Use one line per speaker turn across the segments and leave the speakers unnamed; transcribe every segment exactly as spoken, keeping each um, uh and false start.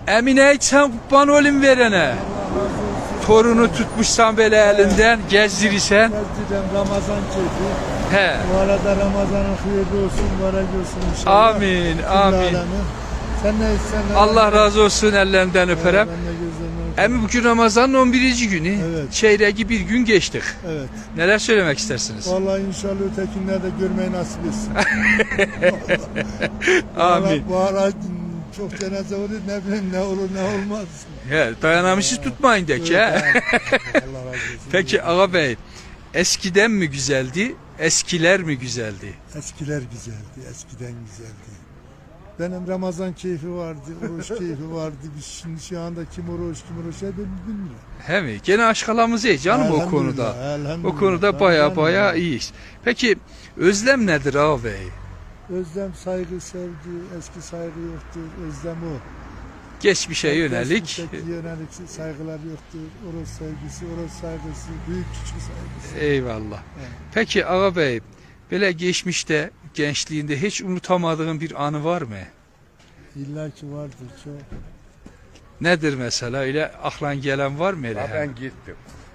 Emine sen kurban olayım verene. Torunu tutmuşsan böyle elinden gezdirirsen.
Gezdirem Ramazan keyfi.
He.
Bu arada Ramazan'ın hayırlı olsun, mübarek olsun inşallah.
Amin,
Cümle
amin.
alemi. Sen ne istersen.
Allah razı olsun, ellerinden öperem.
Ben de gözlerinden öperim.
Emi bugün Ramazan'ın on birinci günü.
Evet.
Çeyreği bir gün geçtik.
Evet.
Neler söylemek istersiniz?
Vallahi inşallah ötekinler de görmeyi nasip etsin.
Amin.
Bu ara çok cenaze olur, ne bileyim ne olur ne olmaz.
He, dayanamışız tutmayın de ki.
Evet,
he.
Allah razı olsun.
Peki Ağa Bey, eskiden mi güzeldi, eskiler mi güzeldi?
Eskiler güzeldi, eskiden güzeldi. Benim Ramazan keyfi vardı, oruç keyfi vardı. Biz şimdi şu anda kim oruç kim oruç ne bilmiyorum.
He mi? Gene aşkalamız iyi canım o konuda.
Elhamdülillah.
O konuda baya
Elhamdülillah.
baya iyiyiz. Peki özlem nedir Ağa Bey?
Özlem, saygı, sevgi, eski saygı yoktur. Özlem o.
Geçmişe yönelik.
Geçmişteki yönelik saygılar yoktur. Oruç sevgisi, oruç saygısı, büyük küçük saygısı.
Eyvallah.
Evet.
Peki Ağa Bey, böyle geçmişte, gençliğinde hiç unutamadığın bir anı var mı?
İlla ki vardır çok.
Nedir mesela? Öyle aklan gelen var mı? Öyle
Ha,
hemen?
ben gittim.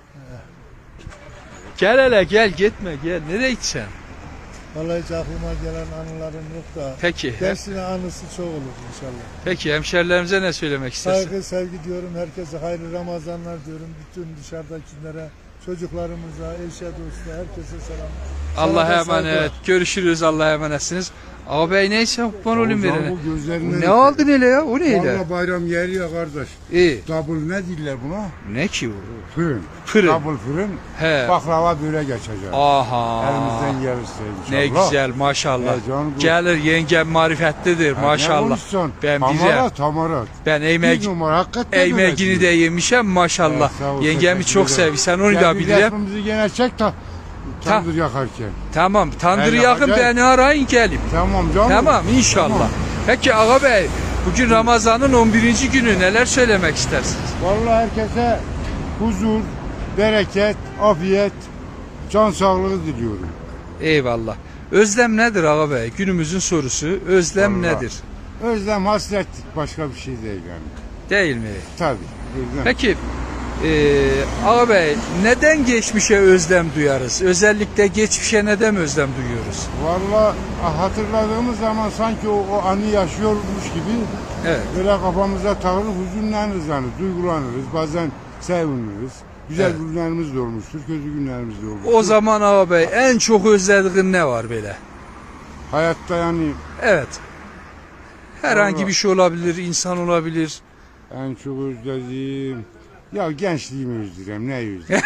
Gel hele gel gitme gel. Nereye gideceksin?
Vallahi hiç aklıma gelen anılarım yok da.
Peki.
Gençliğin anısı çok olur inşallah.
Peki hemşerilerimize ne söylemek istersin?
Saygı, sevgi diyorum. Herkese hayırlı Ramazanlar diyorum. Bütün dışarıdakilere, çocuklarımıza, eşe, dosta, herkese selam.
Allah'a
Sana da saygılar.
emanet. Görüşürüz. Allah'a emanetsiniz. Ağa Bey neyse kurban olayım
Hocam
verene.
bu gözlerinden
Ne aldın hele ya? O neyle?
Valla bayram yeri ya kardeş.
İyi.
Double ne diller buna?
Ne ki bu?
Fırın.
Fırın.
Double fırın.
He.
Baklava böyle geçecek.
Aha.
Elimizden gelirse
Ne
inşallah.
güzel maşallah.
Ya canım bu-
Gelir yengem marifetlidir
Ha,
maşallah.
Ne konuşsun?
Ben
Tamarat,
bilirim.
tamarat.
Ben
Bir
emek
numara hakikaten öyle
Emeğini de
diyor.
yemişem maşallah.
Evet, sağ ol,
Yengemi
teşekkür
çok
ederim.
seviyorsun onu
Gel
da
bir
bilirim.
resmimizi gene çek ta. Tandır yakarken.
Tamam tandır
Ben
yakın
yapacağım.
beni arayın gelin.
Tamam canım.
Tamam inşallah.
Tamam.
Peki Ağa Bey bugün Ramazan'ın on birinci günü neler söylemek istersiniz?
Vallahi herkese huzur, bereket, afiyet, can sağlığı diliyorum.
Eyvallah. Özlem nedir Ağa Bey? Günümüzün sorusu özlem
Vallahi.
nedir?
Özlem, hasret başka bir şey değil yani.
Değil mi?
Tabii. Özlem.
Peki eee Ağa Bey neden geçmişe özlem duyarız? Özellikle geçmişe neden özlem duyuyoruz?
Vallahi hatırladığımız zaman sanki o, o anı yaşıyormuş gibi
Evet.
böyle kafamıza takılır, hüzünleniriz yani, duygulanırız, bazen seviniriz. Güzel
Evet.
günlerimiz de olmuştur, kötü günlerimiz de olmuştur.
O zaman Ağa Bey en çok özlediğin ne var böyle?
Hayatta yani
Evet. Herhangi
Vallahi.
bir şey olabilir, insan olabilir.
en çok özlediğim, ya gençliğimi özleyeceğim, ne özleyeceğim?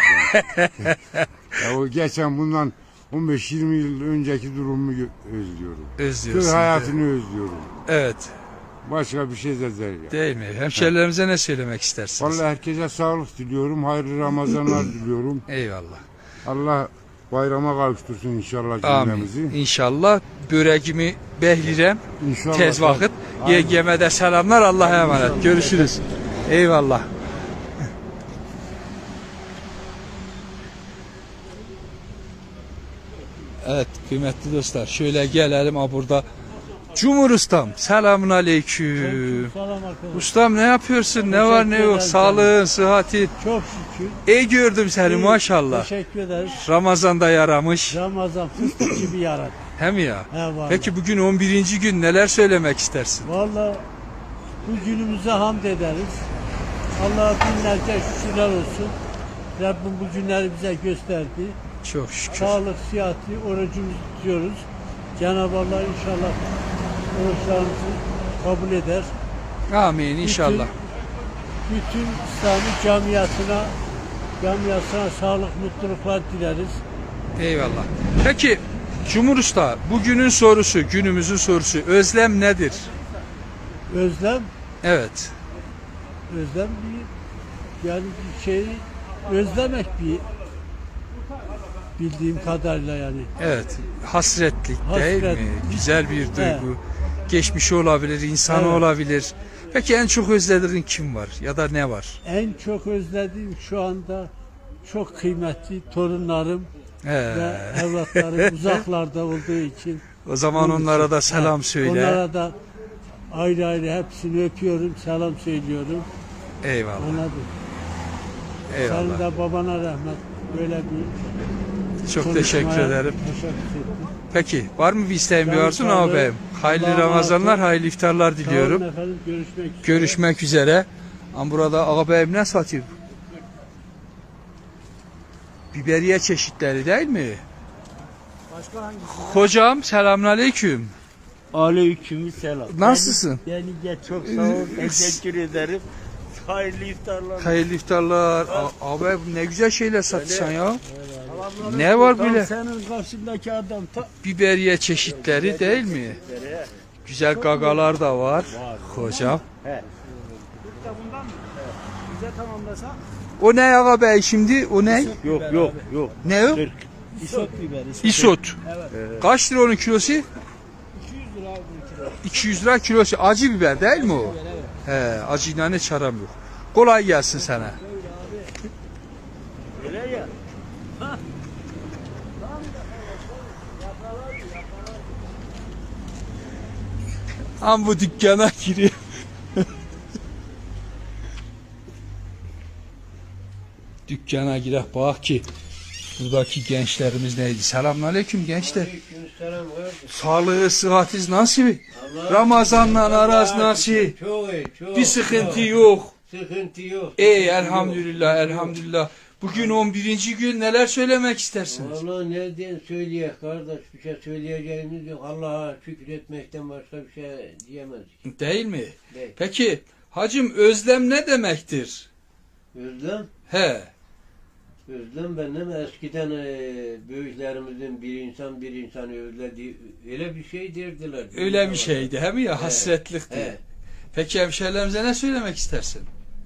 Ya o geçen bundan on beş yirmi yıl önceki durumumu gö- özlüyorum.
Özlüyorsun.
Köy hayatını özlüyorum.
Evet.
Başka bir şey de değil. ya.
Değil mi? Hemşerilerimize ne söylemek istersiniz?
Vallahi herkese sağlık diliyorum, hayırlı Ramazanlar diliyorum.
Eyvallah.
Allah bayrama kavuştursun inşallah
Amin.
cümlemizi.
İnşallah böreğimi behlirem
İnşallah.
tez vakit.
Aynen.
Yengeme de selamlar. Allah'a emanet. Görüşürüz. Eyvallah. Evet kıymetli dostlar şöyle gelelim ha burada. Cumhur Ustam selamun aleyküm.
Selam arkadaşlar.
Ustam ne yapıyorsun? Ne var ne yok?
ederim
Sağlığın, sıhhati.
Çok şükür.
İyi gördüm seni maşallah.
Teşekkür ederiz.
Ramazan'da yaramış.
Ramazan fıstık gibi yaradı.
Hem ya.
He vallahi.
Peki bugün on birinci gün neler söylemek istersin?
Vallahi bu günümüze hamd ederiz. Allah'a binlerce şükürler olsun. Rabbim bu günleri bize gösterdi.
Çok şükür.
Sağlık, sıhhati, orucumuzu tutuyoruz. Cenab-ı Allah inşallah oruçlarımızı kabul eder.
Amin inşallah.
Bütün, bütün İslami camiasına, camiasına sağlık, mutluluklar dileriz.
Eyvallah. Peki Cumhur Usta bugünün sorusu, günümüzün sorusu özlem nedir?
Özlem,
Evet.
özlem bir, yani bir şeyi özlemek bir bildiğim kadarıyla yani.
Evet. Hasretlik değil
Hasret.
mi? Güzel bir duygu.
Evet.
Geçmişi olabilir, insanı
Evet.
olabilir. Peki en çok özlediğin kim var ya da ne var?
En çok özlediğim şu anda çok kıymetli torunlarım
He.
ve evlatlarım uzaklarda olduğu için.
O zaman onlara da selam
Ha,
söyle.
Onlara da
Ayrı ayrı hepsini öpüyorum, selam söylüyorum.
Eyvallah.
Anladın. Senin
Eyvallah.
de babana rahmet. Böyle bir
Çok teşekkür
konuşmaya
ederim.
teşekkür ettim.
Peki var mı bir isteğin bir
Canım
arzu
sağ olun.
ağabeyim? Hayırlı
Allah'a
Ramazanlar,
emanet olun.
hayırlı iftarlar
Sağ olun
diliyorum.
efendim, görüşmek üzere.
Görüşmek üzere. Ama burada ağabeyim ne satıyor? Biberiye çeşitleri değil mi?
Başka hangisi?
Hocam selamünaleyküm.
Aleyküm selam.
Nasılsın?
Beni, beni de çok sağ ol. Teşekkür ederim. Hayırlı iftarlar.
Hayırlı iftarlar. A- Abi ne güzel şeyler satıyorsun ya. Ne var
Tam
böyle?
senin karşındaki adam ta
Biberiye çeşitleri değil mi? Güzel gagalar da var. Hocam.
bize tamamlasa.
O ne ağabey şimdi? O ne?
Yok yok yok.
Ne o?
İsot biberi.
Isot. Kaç lira onun kilosu?
iki yüz lira abi bir kilo.
iki yüz lira kilosu. Acı biber değil mi o? He, acıyla hiç aram yok. Kolay gelsin sana.
Öyle ya.
Am bu dükkana giriyor. Dükkana girek bak ki buradaki gençlerimiz neydi? Selamünaleyküm gençler.
Aleykümselam kardeşim.
Sağlığı, sıhhatiz nasıl? Ramazanla araz nasıl?
Çok iyi, çok.
Bir sıkıntı yok.
Sıkıntı yok.
Ey elhamdülillah, elhamdülillah. Bugün on birinci gün neler söylemek istersiniz?
Vallahi ne diye söyleyek kardeş, bir şey söyleyeceğimiz yok. Allah'a şükür etmekten başka bir şey diyemezdik.
Değil mi?
Değil.
Peki hacım özlem ne demektir?
Özlem,
He.
özlem benim eskiden e, büyüklerimizin bir insan bir insanı özlediği öyle bir şey derdiler.
Öyle bir şeydi he mi ya?
He.
Hasretlikti.
He.
Peki hemşehrilerimize ne söylemek istersin?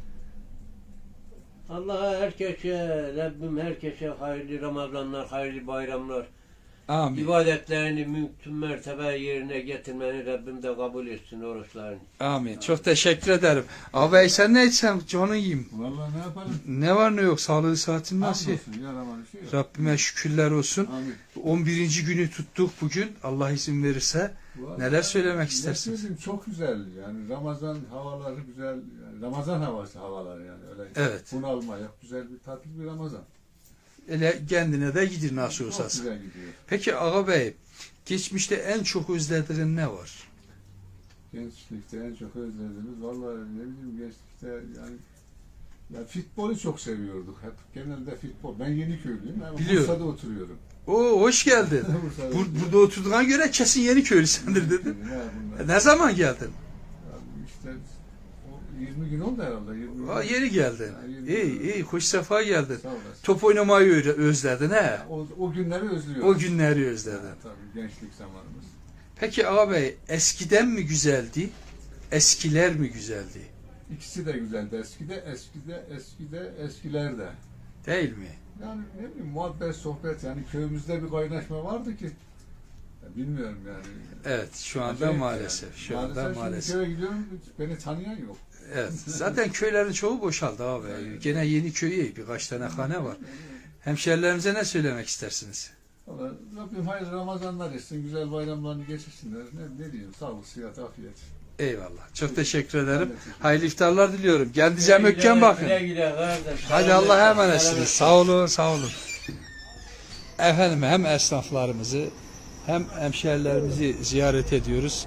Allah'a herkese, Rabbim herkese hayırlı Ramazanlar, hayırlı bayramlar.
Amin.
İbadetlerini mümkün mertebe yerine getirmeni Rabbim de kabul etsin oruçlarını.
Amin. Çok teşekkür ederim. Abi sen ne içsen canı yiyeyim.
Vallahi ne yapalım?
Ne var ne yok? Sağlığı saatin nasıl?
Hamdolsun, yaramalı şey yok.
Rabbime şükürler olsun.
Amin.
on birinci günü tuttuk bugün. Allah izin verirse.
Vallahi
Neler söylemek
ne
istersiniz?
söyleyeyim, çok güzel yani Ramazan havaları güzel, yani Ramazan havası havaları yani öyle.
Evet.
Bunalma yok, güzel bir tatlı bir Ramazan.
Ele kendine de gidir nasıl
Çok
olsa.
güzel gidiyor.
Peki Ağa Bey, geçmişte en çok özlediğin ne var?
Gençlikte en çok özlediğimiz vallahi ne bileyim gençlikte yani ya futbolu çok seviyorduk hep. Genelde futbol. Ben Yeniköylüyüm ama
Biliyorum.
Bursa'da oturuyorum.
Oo hoş geldin.
Bursa'da
Bur-
oturuyorum.
burada oturduğuna göre kesin Yeniköylüsündür dedin.
Ne bunlar?
Ne zaman geldin?
Yani işte o yirmi gün oldu herhalde. yirmi gün.
Aa, yeni geldin.
Ha, yirmi
İyi
gün.
iyi hoş sefa geldin.
Sağ olasın.
Top oynamayı ö- özledin he.
O, o günleri özlüyorum.
O günleri özledin.
Tabii gençlik zamanımız.
Peki Ağa Bey, eskiden mi güzeldi? Eskiler mi güzeldi?
İkisi de güzeldi. Eskide, eskide, eskide, eskilerde.
Değil mi?
Yani ne bileyim muhabbet, sohbet yani köyümüzde bir kaynaşma vardı ki ya bilmiyorum yani.
Evet şu anda
Acayip
maalesef.
yani.
Şu anda
Maalesef
maalesef.
şimdi köye gidiyorum beni tanıyan yok.
Evet. Zaten köylerin çoğu boşaldı abi. Gene yeni köyü birkaç tane hane var. Hemşerilerimize ne söylemek istersiniz?
Valla Rabbim hayırlı Ramazanlar etsin, güzel bayramlarını geçirsinler. Ne, ne diyeyim, sağlık, sıhhat, afiyet.
Eyvallah. Çok teşekkür ederim.
Ben de teşekkür
Hayırlı iftarlar diliyorum. Kendinize mökken bakın.
Güle güle kardeş.
Hadi Allah'a emanetsiniz. Sağ olun, sağ olun. Efendim hem esnaflarımızı hem hemşerilerimizi ziyaret ediyoruz.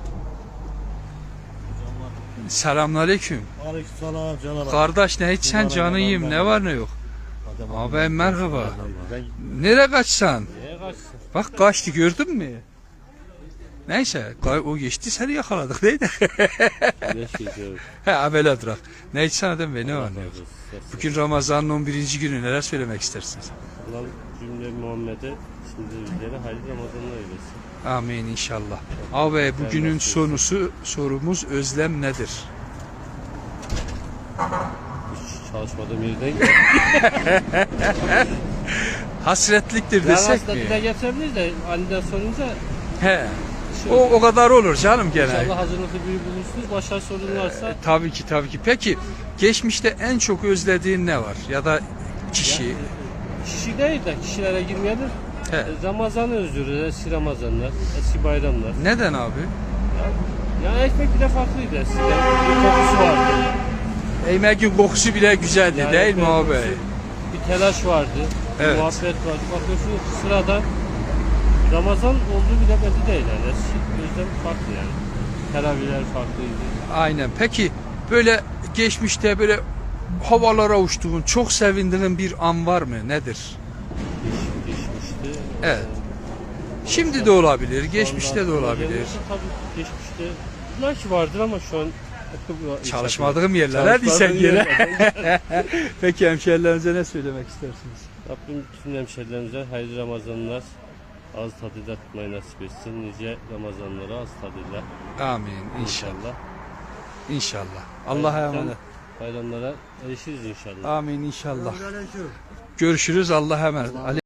Selamünaleyküm.
Aleykümselam canım.
Kardeş ne içsen canı yiyeyim. Ne var ne yok. Abi merhaba. Nereye kaçsan?
Neye kaçsın?
Bak kaçtı gördün mü? Neyse o geçti seni yakaladık değil mi?
Ne şey diyorum.
He abela durak. Ne içsen adam be ne var ne yok. Bugün Ramazan'ın on birinci günü neler söylemek istersiniz?
Allah cümle Muhammed'e şimdi üzere hayırlı Ramazanlar eylesin.
Amin inşallah. Abi bugünün sonusu sorumuz özlem nedir?
Hiç çalışmadığım yerden
Hasretliktir
yani
desek
aslında dile
mi?
getirebiliriz de aniden sorunca
He.
şey,
O, o kadar olur canım gene.
İnşallah hazırlıklı biri bulursunuz. Başka sorun varsa
Tabii ki tabii ki. Peki geçmişte en çok özlediğin ne var? Ya da kişi?
kişi değil de kişilere girmeyelim.
He.
Ramazan'ı özlüyoruz. Eski Ramazanlar, eski bayramlar.
Neden abi?
Ya ekmek bile farklıydı eskiden. Bir kokusu vardı.
Ekmeğin kokusu bile güzeldi
Yani
değil mi
ekmeğin
abi?
kokusu, bir telaş vardı.
Evet.
Bir muhabbet vardı. Bakıyorsun sıradan Ramazan olduğu bile belli değil yani. Eski yüzden farklı yani. Teravihler farklıydı.
Aynen. Peki böyle geçmişte böyle havalara uçtuğun, çok sevindiğin bir an var mı? Nedir?
Değiş, değişmişti.
Evet.
Ee,
Şimdi de olabilir,
şu
geçmişte
anda
de olabilir.
gelmesi Tabii geçmişte belki vardır ama şu an
Çalışmadığım yerler hadi sen
Çalışmadığım
gene.
yerler.
Peki hemşehrilerinize ne söylemek istersiniz?
Rabbim bütün hemşehrilerimize hayırlı Ramazanlar, ağız tadıyla tutmayı nasip etsin. Nice Ramazanlara ağız tadıyla
Amin inşallah.
inşallah.
İnşallah. Allah'a
Hayırlı
emanet.
Bayramlara erişiriz inşallah.
Amin inşallah. Görüşürüz. Allah'a emanet.